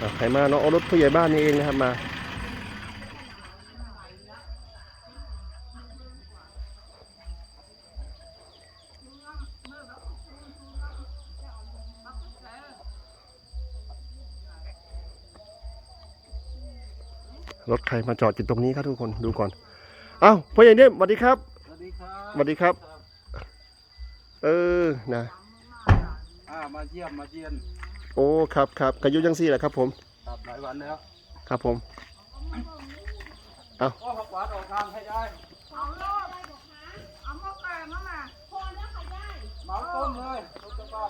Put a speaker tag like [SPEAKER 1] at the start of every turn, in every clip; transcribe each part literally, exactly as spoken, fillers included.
[SPEAKER 1] ใครมาเนาะรถผู้ใหญ่บ้านนี่เองนะครับมารถใครมาจอดอยู่ตรงนี้ครับทุกคนดูก่อนเอ้าพ่อใหญ่เนี่ยสวัสดีครับ
[SPEAKER 2] สวัสดีครับ
[SPEAKER 1] สวัสดีครับเออนะ
[SPEAKER 2] อ่ามาเยี่ยมมาเยี่ยน
[SPEAKER 1] โอ้ครับครับกระยุยังซี่แหละครับผม
[SPEAKER 2] ครับหลายวันแล้ว
[SPEAKER 1] ครับผมเอา
[SPEAKER 2] ก็ผักหวานออกทางให้ได้
[SPEAKER 3] เอาโลดเอาหม้อแกงมามาพอแล้วค่ะยาย
[SPEAKER 2] เหมาต้นเลยต้นจะบ้าน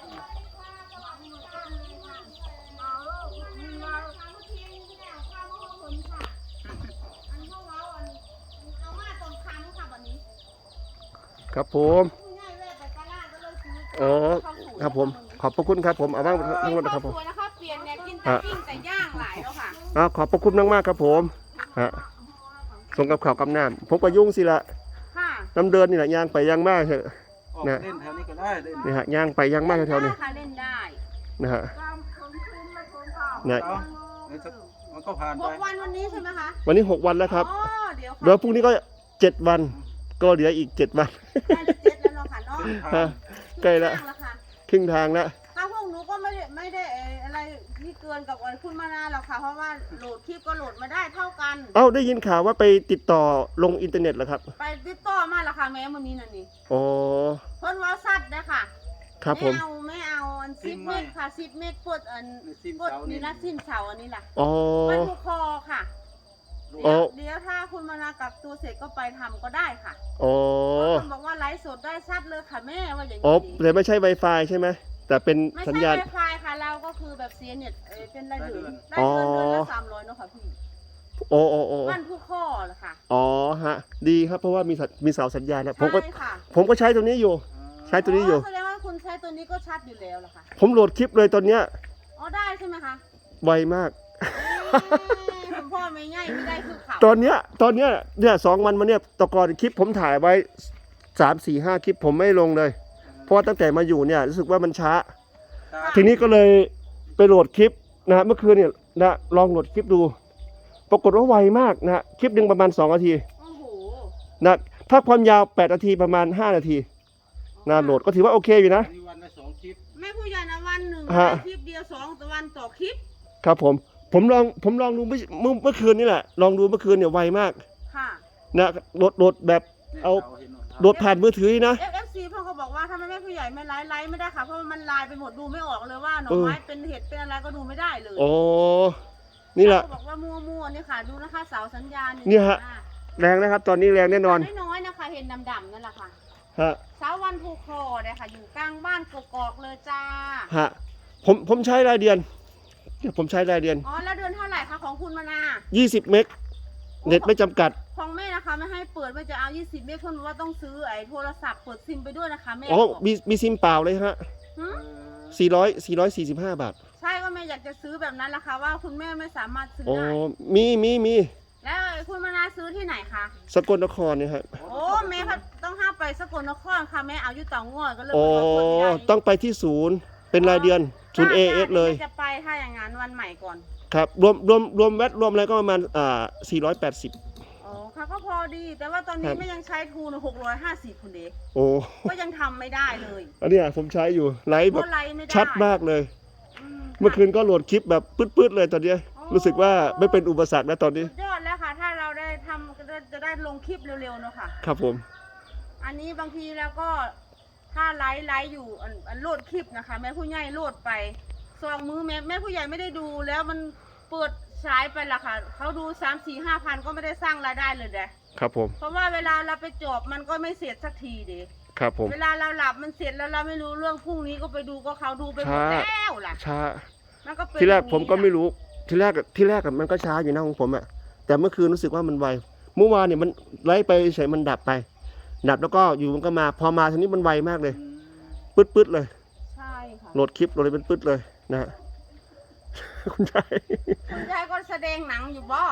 [SPEAKER 3] เอาโลดมีมาทำเมื่อกี้นี่แหละข้าวมะม่วงผลค่ะอันนี้ว้าวอันเอามาตรงคันค่ะวันนี้
[SPEAKER 1] ครับผม
[SPEAKER 3] ง่ายเลยไปตลาดก็เลยซื้อ
[SPEAKER 1] อ๋อครับผมขอบพระคุณครับผมเอาบ้างทั้งหมดนะครับผม
[SPEAKER 3] สวยนะคะเปลี่ยนเนี่ยกินแต่ปิ้งแต่ย่างหลายแล้วค่ะ
[SPEAKER 1] อ่าขอบพระคุณมากมากครับผมฮะส่งกับข่าวกับน้ำผมก็ยุ่งสิละน้ำเดินนี่แหละย่างไปย่างมากเถอะ
[SPEAKER 2] นะเล่นแถวนี้ก็ได้เล่น
[SPEAKER 1] นี่ฮะย่างไปย่างมากแถวๆนี้
[SPEAKER 3] เล่นได้
[SPEAKER 1] นะฮะเนี่ย
[SPEAKER 2] มันก็ผ่านไป
[SPEAKER 3] หกวันวันนี้ใช่ไหมคะ
[SPEAKER 1] วันนี้หกวันแล้วครับ
[SPEAKER 3] เดี๋ยว
[SPEAKER 1] เดี๋ยวพรุ่งนี้ก็เจ็ดวันก็เหลืออีกเจ็ดวัน
[SPEAKER 3] ใกล้จะเจ็ดแล้วเนาะค่ะเนาะ
[SPEAKER 1] ใกล้แล้วครึ่งทางแล้ว
[SPEAKER 3] ถ้าพวกหนูก็ไม่ได้ไม่ได้อะไรที่เกินกับวันคุณมานาหรอกค่ะเพราะว่าโหลดคลิปก็โหลดมาได้เท่ากัน
[SPEAKER 1] เอ้าได้ยินข่าวว่าไปติดต่อลงอินเทอร์เน็ตเหรอครับ
[SPEAKER 3] ไปติดต่อมาแล้วค่ะแม่วันนี้นั่นนี่
[SPEAKER 1] อ๋อ
[SPEAKER 3] เพิ่นว่าสัตว์นะค่ะ
[SPEAKER 1] ครับผม
[SPEAKER 3] ไม่เอาไม่เอาอันสิบเมตรค่ะสิบเมตรปดอันปดนี่ละสิ้นเสาอันนี้ล่ะ
[SPEAKER 1] อ๋อ
[SPEAKER 3] มันผูกคอค่ะเดี๋ยวเดี๋ยวถ้าคุณมานากับตัวเสร็จก็ไปทำก็ได้ค่ะ
[SPEAKER 1] อ๋อ
[SPEAKER 3] คนบอกว่าไลฟ์สดได้ชัดเลยค่ะแม่ว่าอย่างนี้
[SPEAKER 1] อ๋อแต่ไม่ใช่ Wi-Fi ใช่ไหมแต่เป็นสัญญาณ
[SPEAKER 3] ไม่ใช่ Wi-Fi ค่ะเราก็คือแบบเสียเน็ตเป็นรายเดือนได้เดือนเดือนละสามร้อยเนาะค่ะพี่
[SPEAKER 1] โอ้โอ้โอ้
[SPEAKER 3] มันผูกคอเหรอค่ะ
[SPEAKER 1] อ๋อฮะดีครับเพราะว่ามีมีเสาสัญญาณนะผมก็
[SPEAKER 3] ใช่ค่ะ
[SPEAKER 1] ผมก็ใช้ตัวนี้อยู่ใช้ตัวนี้อยู่
[SPEAKER 3] แสดงว่าคุณใช้ตัวนี้ก็ชัดอยู่แล้วล่ะค่ะ
[SPEAKER 1] ผมโหลดคลิปเลยตอนเนี้ย
[SPEAKER 3] อ๋อได้ใช่ไหมคะ
[SPEAKER 1] ไวมาก
[SPEAKER 3] คุณพ่อไม่ง่ายไม่ได้คือเขา
[SPEAKER 1] ตอนเนี้ยตอนเนี้ยเนี่ยสองวันมาเนี่ยตะกอนคลิปผมถ่ายไว้สามสี่ห้าคลิปผมไม่ลงเลยเพราะว่าตั้งแต่มาอยู่เนี่ยรู้สึกว่ามันช้าทีนี้ก็เลยไปโหลดคลิปนะฮะเมื่อคืนเนี่ยนะลองโหลดคลิปดูปรากฏว่าไวมากนะฮะคลิปหนึ่งประมาณสองนาทีนะถ้าความยาวแปดนาทีประมาณห้านาทีนะโหลดก็ถือว่าโอเคอยู่นะ
[SPEAKER 2] วันละสองคลิป
[SPEAKER 3] แม่ผู้ใหญ่นะวันหนึ่งคลิปเดียวสองวันต่อคลิป
[SPEAKER 1] ครับผมผมลองผมลองดูเมื่อเมื่อคืนนี่แหละลองดูเมื่อคืนเนี่ยไวมาก
[SPEAKER 3] ค่ะ
[SPEAKER 1] นะโหลดโหลดแบบเอาโหลดผ่านมือถือนะ
[SPEAKER 3] เอฟ ซี พ่อเขาบอกว่าถ้าแม่ผู้ใหญ่ไม่ไลฟ์ไลฟ์ไม่ได้ค่ะเพราะมันลายไปหมดดูไม่ออกเลยว่าหน่อไม้เป็นเห็ดเป็นอะไรก็ดูไม่ได้เลย
[SPEAKER 1] โอ้นี่แหละ
[SPEAKER 3] บอกว่ามั่วๆนี่ค่ะดูนะคะเสาสัญญาณ
[SPEAKER 1] นี่ฮะแรงนะครับตอนนี้แรงแน่นอน
[SPEAKER 3] น้อยๆนะคะเห็นดำๆนั่นแหละค่ะ
[SPEAKER 1] ฮะ
[SPEAKER 3] เสาวันภูคอเนี่ยค่ะอยู่กลางบ้านกอกๆเลยจ้า
[SPEAKER 1] ฮะผมผมใช้รายเดือนผมใช้รายเดือน
[SPEAKER 3] อ๋อแล้วเดือนเท่าไหร่คะของคุณมานา
[SPEAKER 1] ยี่สิบเมกเน็ตไม่จำกัด
[SPEAKER 3] ของแม่นะคะไม่ให้เปิดไม่จะเอายี่สิบเมกเพราะว่าต้องซื้อไอ้โทรศัพท์เปิดซิมไปด้วยนะคะแม่
[SPEAKER 1] อ๋อมีมีซิมเปล่าเลยฮะสี่ร้อยสี่ร้อยสี่สิบห้าบาท
[SPEAKER 3] ใช่ก็แม่อยากจะซื้อแบบนั้นแหละค่ะว่าคุณแม่ไม่สามารถซื้อ
[SPEAKER 1] ได้
[SPEAKER 3] อ๋อ
[SPEAKER 1] มีมีมี
[SPEAKER 3] แล้วคุณมานาซื้อที่ไหนคะ
[SPEAKER 1] สกลนครเนี่ยครับ
[SPEAKER 3] โอ้แม่ต้องห้าไปสกลนครค่ะแม่เอาอยู่เตางอยก็เลย
[SPEAKER 1] โอ้ต้องไปที่ศูนย์เป็นรายเดือนศูนย์ เอ เอส เลย
[SPEAKER 3] จะไปถ้าอย่างนั้นวันใหม่ก่อน
[SPEAKER 1] ครับรวมรวมรวมแวดรวมอะไรก็ประมาณอ่าสี่ร้อยแปดสิบ
[SPEAKER 3] อ๋อค่ะก็พอดีแต่ว่าตอนนี้ไม่ยังใช้ทูนหกร้อยห้าสิบคุณเด็ก
[SPEAKER 1] โอ้
[SPEAKER 3] ก็ยังทำไม่ได้เลย
[SPEAKER 1] อันนี้ผมใช้อยู่ไลฟ์แบบชัดมากเลยเมื่อคืนก็โหลดคลิปแบบปื๊ดๆเลยตอนนี้รู้สึกว่าไม่เป็นอุปสรรคแล้วตอนนี้
[SPEAKER 3] ยอดแล้วค่ะถ้าเราได้ทำจะได้ลงคลิปเร็วๆเนาะค่ะ
[SPEAKER 1] ครับผม
[SPEAKER 3] อันนี้บางทีแล้วก็ถ้าไลฟ์ไลฟ์อยู่อันโหลดคลิปนะคะแม่ผู้ใหญ่โหลดไปสองมือแม่แม่ผู้ใหญ่ไม่ได้ดูแล้วมันเปิดฉายไปละค่ะเขาดูสามสี่ห้าพันก็ไม่ได้สร้างรายได้เลยเด้
[SPEAKER 1] ครับผม
[SPEAKER 3] เพราะว่าเวลาเราไปจบมันก็ไม่เสร็จสักทีเด้
[SPEAKER 1] ครับผม
[SPEAKER 3] เวลาเราหลับมันเสร็จแล้วเราไม่รู้เรื่องพรุ่งนี้ก็ไปดูก็เขาดูไปหมดแล้วล่ะ
[SPEAKER 1] ช้า
[SPEAKER 3] มันก็เป็น
[SPEAKER 1] ที่แรกผมก็ไม่รู้ที่แรกที่แรกมันก็ช้าอยู่นะของผมอะแต่เมื่อคืนรู้สึกว่ามันไวเมื่อวานเนี่ยมันไล่ไปเฉยมันดับไปดับแล้วก็อยู่มันก็มาพอมาทีนี้มันไวมากเลยปื๊ดๆเลย
[SPEAKER 3] ใช่ค่ะ
[SPEAKER 1] โหลดคลิปโหลดเลยเป็นปื๊ดเลยนะฮะคุณชาย
[SPEAKER 3] คุณชายก็แสดงหนังอยู่บ่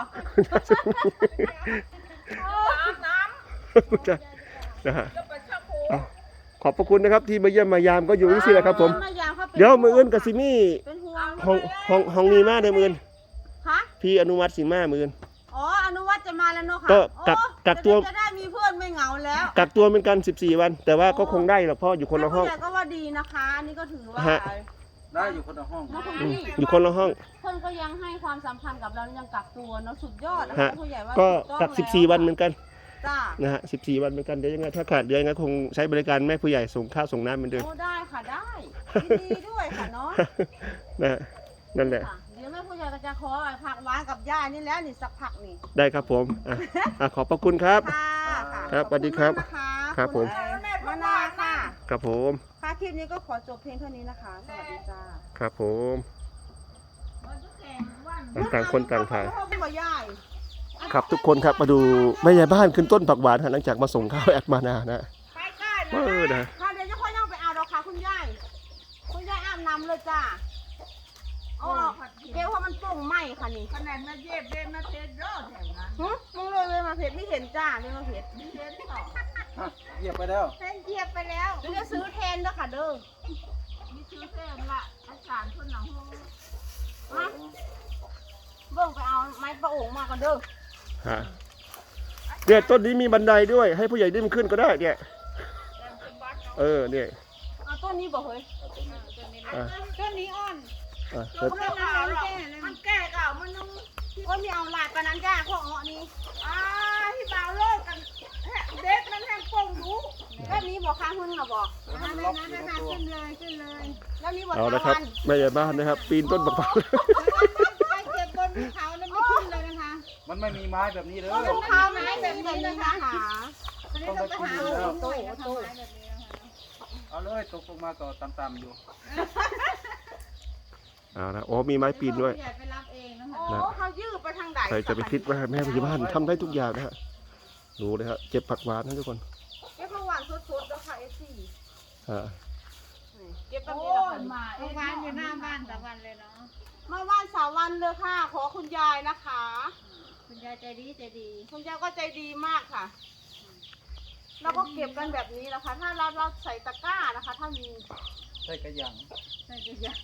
[SPEAKER 3] น้
[SPEAKER 1] ำคุณชายนะฮะขอบพระคุณนะครับที่มาเยี่ยมมายามก็อยู่ที่นี่แหละครับผมเดี๋ยวมืออื่นกับซิมี่ห้องห้องห้องนี้มากเลยมืออื่นพี่อนุวัฒน์สิงห์มาหมื่น
[SPEAKER 3] อ๋ออนุวัฒน์จะมาแล้วเนาะค่ะ
[SPEAKER 1] ก็กัก
[SPEAKER 3] โอ้
[SPEAKER 1] กักตัว
[SPEAKER 3] จะได้มีเพื่อนไม่เหงาแล้ว
[SPEAKER 1] กักตัวเหมือนกันสิบสี่วัน แต่ว่าก็คงได้หรอกเพราะอยู่คนละห้อง
[SPEAKER 3] แม่ผู้ใหญ่ก็ว่าดีนะคะอันนี่ก็ถือว่า
[SPEAKER 1] ฮะ
[SPEAKER 2] ได้อยู่คนละห้อง
[SPEAKER 3] เนาะคุณ
[SPEAKER 1] อืม
[SPEAKER 3] พี่
[SPEAKER 1] อยู่คนละห้อง
[SPEAKER 3] เพื่อนก็ยังให้ความสำคัญกับเรายังกักตัวเนาะสุดยอดนะ
[SPEAKER 1] ฮะ
[SPEAKER 3] คะผู้ใหญ่ว่า
[SPEAKER 1] ก็
[SPEAKER 3] ถูต้อง
[SPEAKER 1] กัก
[SPEAKER 3] แล้ว
[SPEAKER 1] สิบสี่วันเหมือนกัน
[SPEAKER 3] จ้า
[SPEAKER 1] นะฮะสิบสี่วันเหมือนกันเดี๋ยวยังไงถ้าขาดเดือนก็คงใช้บริการแม่ผู้ใหญ่ส่งข้าวส่งน้ำเหมือนเดิม
[SPEAKER 3] โอ้ได้ค่ะได้ยินดีด้วยค่ะเนาะ
[SPEAKER 1] นะฮะนั่นแหละ
[SPEAKER 3] ค่ะเดี๋ยวแม่ผู้ใหญ่ก็จะขอผักหวานกับย่านี่แล้วนี่สักผักนี่
[SPEAKER 1] ได้ครับผมอ่ะอ่ะขอบพระคุณครับ
[SPEAKER 3] ค่ะค่ะ
[SPEAKER 1] ครับ
[SPEAKER 3] ขอ
[SPEAKER 1] สวัสดีครับ
[SPEAKER 3] ณมากนะคะ
[SPEAKER 1] ครับผม
[SPEAKER 3] คุณมะนาวค่ะ
[SPEAKER 1] ครับผม
[SPEAKER 3] ค่ะคลิปนี้ก็ขอจบเพียงเท่านี้นะคะ สวัสดีจ้า
[SPEAKER 1] ครับผมต่างคนต่างถ่าย
[SPEAKER 3] พ่อบ่ยาย
[SPEAKER 1] ครับทุกคนครับมาดูแม่ยายบ้านขึ้นต้นผักหวานฮะหลังจากมาส่งข้าวแอดมานานะ
[SPEAKER 3] ไปใกล้นะ
[SPEAKER 1] เออนะ
[SPEAKER 3] ค่ะเดี๋ยวจะค่อยย่องไปเอาดอกค่ะคุณยายคุณยายอาบน้ำเลยจ้าเอาออกเดี๋ยวเพราะมันโป่งไหมค่ะนี่
[SPEAKER 4] ขนาดมาเย็บเย็บมาเทสโรดแถวนั้น
[SPEAKER 3] หึมึงเลยเลยมาเพชรไม่เห็นจ้าเลยมาเพชร
[SPEAKER 4] เทสต่อ
[SPEAKER 2] ฮะเหยียบไปแล้ว
[SPEAKER 4] เส้นเยียบไปแล้ว
[SPEAKER 3] เดี๋ยวจะซื้อแทนเด้อค่ะเด้อ
[SPEAKER 4] มีชื่อเส้นละอาจารย์คนหนองฮู
[SPEAKER 3] มาเบิ่งไปเอาไม้ประโอ่งมากันเด้อ
[SPEAKER 1] ฮะเนี่ยต้นนี้มีบันไดด้วย ให้ผู้ใหญ่ดิ้นขึ้นก็ได้เนี่ยเออเนี่ย
[SPEAKER 3] เอาต้นนี้บ่เฮ้ย
[SPEAKER 1] อ่ะ
[SPEAKER 4] ต้นนี้อ่อน
[SPEAKER 1] อ่ะ
[SPEAKER 4] ต้นนี้อ่อนมันแก่เก่ามันนุ่ม
[SPEAKER 3] ก็มีเอาหลายปานนั้นจ้าพวกเงาะนี้
[SPEAKER 4] อ่าที่บ่าวเลิกกันเด็กมันแห้งโป่งรู้
[SPEAKER 3] แบบนี้บอกค้างหุ้นเหรอบอก
[SPEAKER 4] นั่นนะนั่นนะขึ้นเลยขึ้นเลย
[SPEAKER 3] แล้วนี้บอก
[SPEAKER 1] เอา
[SPEAKER 3] สา
[SPEAKER 1] ละครับ
[SPEAKER 3] วัน
[SPEAKER 1] แม่ยายบ้านนะครับ ปีนต้นผักหวาน
[SPEAKER 4] ไปเก็บบนเขาแล้วไม่ขึ้นเลยนะคะ
[SPEAKER 2] มันไม่มีไม้แบบนี้เลย
[SPEAKER 3] ก็ลูกค้าไม่ได้แบบนี้นะคะ
[SPEAKER 4] ตอนนี้ต้องไปหาหินหน่อยนะทำไมแบบนี้นะคะ
[SPEAKER 2] เอาเลยตกลงมาต่อต่ำๆอยู่
[SPEAKER 1] เอาละโอ้มีไม้ปีนด้วย
[SPEAKER 4] ใหญ่ไปรับเองนะคะ
[SPEAKER 3] โอ้เขายืดไปทางใด
[SPEAKER 1] ใครจะไปคิดว่าแม่ผู้ใหญ่บ้านทำได้ทุกอย่างนะฮะดูเลยครับเก็บผักหวานนะทุกคน
[SPEAKER 3] เก็บผักหวานสดๆแล้วค่ะเอซี่
[SPEAKER 1] ฮะ
[SPEAKER 3] เก็บแบบ
[SPEAKER 4] โอ้
[SPEAKER 3] นี้แล้ว
[SPEAKER 4] ย
[SPEAKER 3] ค่ะ
[SPEAKER 4] มาเองร้านอยู่หน้าบ้านตะวันเลยเนาะ
[SPEAKER 3] มาว่านสาววันเลยค่ะ ขอคุณยายนะคะ
[SPEAKER 4] คุณยายใจดีใจดี
[SPEAKER 3] คุณยายก็ใจดีมากค่ะ แล้วก็เก็บกันแบบนี้นะคะ ถ้าเราเราใส่ตะกร้านะคะ ถ้ามี
[SPEAKER 2] ใส่กระหยัง
[SPEAKER 4] ใช่จะยัง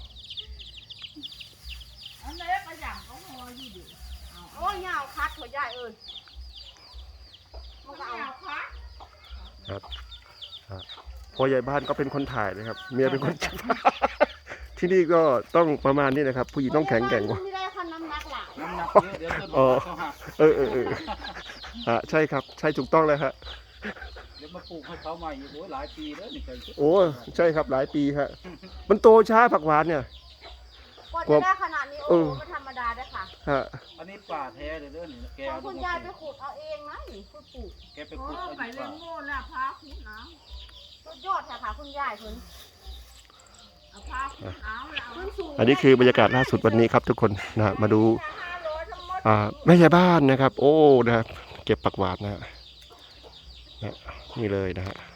[SPEAKER 4] อันนี้กระหยังก็พออยู่ดิ
[SPEAKER 3] โอ้ยยาวคัดหัวยายเอ้ยมันก็เอา
[SPEAKER 1] ครับฮะพ่อใหญ่บ้านก็เป็นคนถ่ายนะครับ เมียเป็นคนจับ ที่นี่ก็ต้องประมาณนี้นะครับ ผู้หญิงต้องแข็งแกร่งกว่า
[SPEAKER 3] ไม่ได้ค่ะน้ำหนักหลัก
[SPEAKER 2] น้ำหนักเยอะเดี๋ยวต้น
[SPEAKER 1] อ๋อ
[SPEAKER 2] เขาหัก
[SPEAKER 1] เออเออเออฮะใช่ครับ ใช่ถูกต้องเลยครับ
[SPEAKER 2] เดี๋ยวมาปลูกให้เขาใหม่อีกโอ้ยหลายปีแล้วนี่เคย
[SPEAKER 1] โอ้ใช่ครับหลายปีฮะมันโตช้าผักหวานเนี่ย
[SPEAKER 3] กว่าจะได้ขนาดนี้
[SPEAKER 1] เอ
[SPEAKER 3] โอ้
[SPEAKER 1] อ
[SPEAKER 3] โหไม่ธรรมดาด้วยค่ะ
[SPEAKER 1] ฮะ
[SPEAKER 2] อันนี้ป่าแท้เลยเด้อนี่แก
[SPEAKER 3] ขอ
[SPEAKER 2] เอา
[SPEAKER 3] งคุณยายไปขุดเอาเองนะนี่คุณปลูก
[SPEAKER 2] แกไป
[SPEAKER 4] โอ้
[SPEAKER 2] ขุดเอา
[SPEAKER 4] ไป
[SPEAKER 2] ดีก
[SPEAKER 4] เล่
[SPEAKER 2] ว่าน
[SPEAKER 4] โม่ละพาคุณเอา
[SPEAKER 3] สุดยอดค่ะค่ะคุณยายคุณ
[SPEAKER 4] เอาพาคุณเอาแล้ว
[SPEAKER 3] ขึ้นสูง
[SPEAKER 1] อันนี้คือบรรยากาศล่าสุดวันนี้ครับทุกคนนะฮะมาดูอ่าแม่ยายบ้านนะครับ โอ้นะครับเก็บผักหวานนะฮะนะนี่เลยนะฮะ